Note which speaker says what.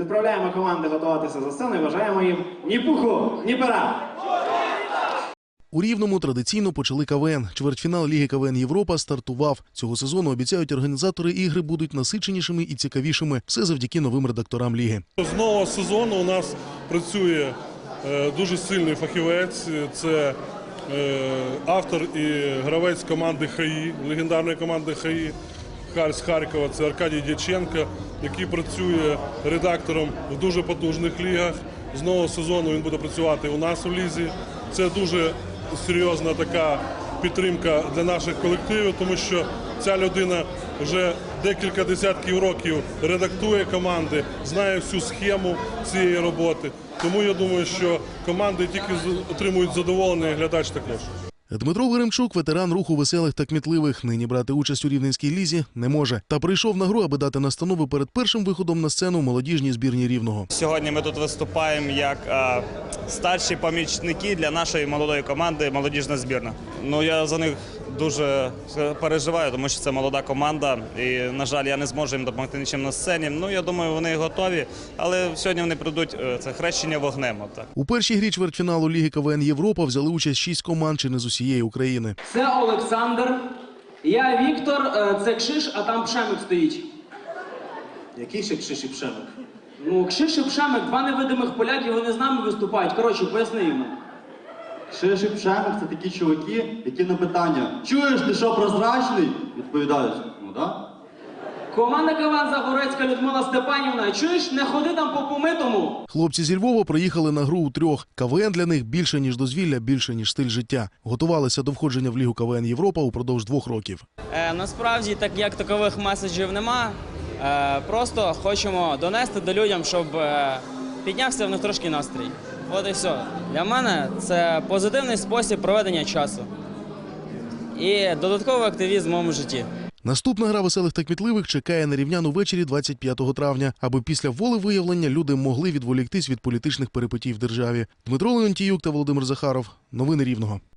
Speaker 1: Відправляємо команди готуватися за сцену і бажаємо їм ні пуху, ні пера.
Speaker 2: У Рівному традиційно почали КВН. Чвертьфінал Ліги КВН Європа стартував. Цього сезону, обіцяють організатори, ігри будуть насиченішими і цікавішими. Все завдяки новим редакторам Ліги.
Speaker 3: З нового сезону у нас працює дуже сильний фахівець. Це автор і гравець команди ХАІ, легендарної команди ХАІ з Харкова. Це Аркадій Дяченко, який працює редактором в дуже потужних лігах. З нового сезону він буде працювати у нас у лізі. Це дуже серйозна така підтримка для наших колективів, тому що ця людина вже декілька десятків років редактує команди, знає всю схему цієї роботи. Тому я думаю, що команди тільки отримують задоволення, і глядач також.
Speaker 2: Дмитро Веремчук – ветеран руху веселих та кмітливих. Нині брати участь у Рівненській лізі не може. Та прийшов на гру, аби дати настанови перед першим виходом на сцену молодіжній збірні Рівного.
Speaker 4: Сьогодні ми тут виступаємо як старші помічники для нашої молодої команди «Молодіжна збірна». Ну, я за них дуже переживаю, тому що це молода команда. І, на жаль, я не зможу їм допомогти нічим на сцені. Ну, я думаю, вони готові, але сьогодні вони прийдуть, це хрещення вогнем. Отак.
Speaker 2: У першій грі чвертьфіналу Ліги КВН Європа взяли участь 6 команд чи не з усієї України.
Speaker 5: Це Олександр, я Віктор, це Кшиш, а там Пшемик стоїть.
Speaker 1: Який ще Кшиш і Пшемик?
Speaker 5: Ну, Кшиш і Пшемик, два невидимих поляків, вони з нами виступають. Коротше, поясни йому.
Speaker 6: Кшиш і Пшемик – це такі чуваки, які на питання «Чуєш, ти що, прозрачний?» відповідають «Ну, да».
Speaker 5: Команда КВН Загорецька Людмила Степанівна, чуєш, не ходи там по помитому.
Speaker 2: Хлопці зі Львова приїхали на гру у трьох. КВН для них більше, ніж дозвілля, більше, ніж стиль життя. Готувалися до входження в Лігу КВН Європа упродовж 2 років.
Speaker 7: Насправді, так як такових меседжів нема, просто хочемо донести до людям, щоб піднявся в них трошки настрій. От і все. Для мене це позитивний спосіб проведення часу і додатковий активізм в моєму житті.
Speaker 2: Наступна гра веселих та кмітливих чекає на рівнян увечері 25 травня, аби після волевиявлення люди могли відволіктись від політичних перипетій в державі. Дмитро Леонтіюк та Володимир Захаров. Новини Рівного.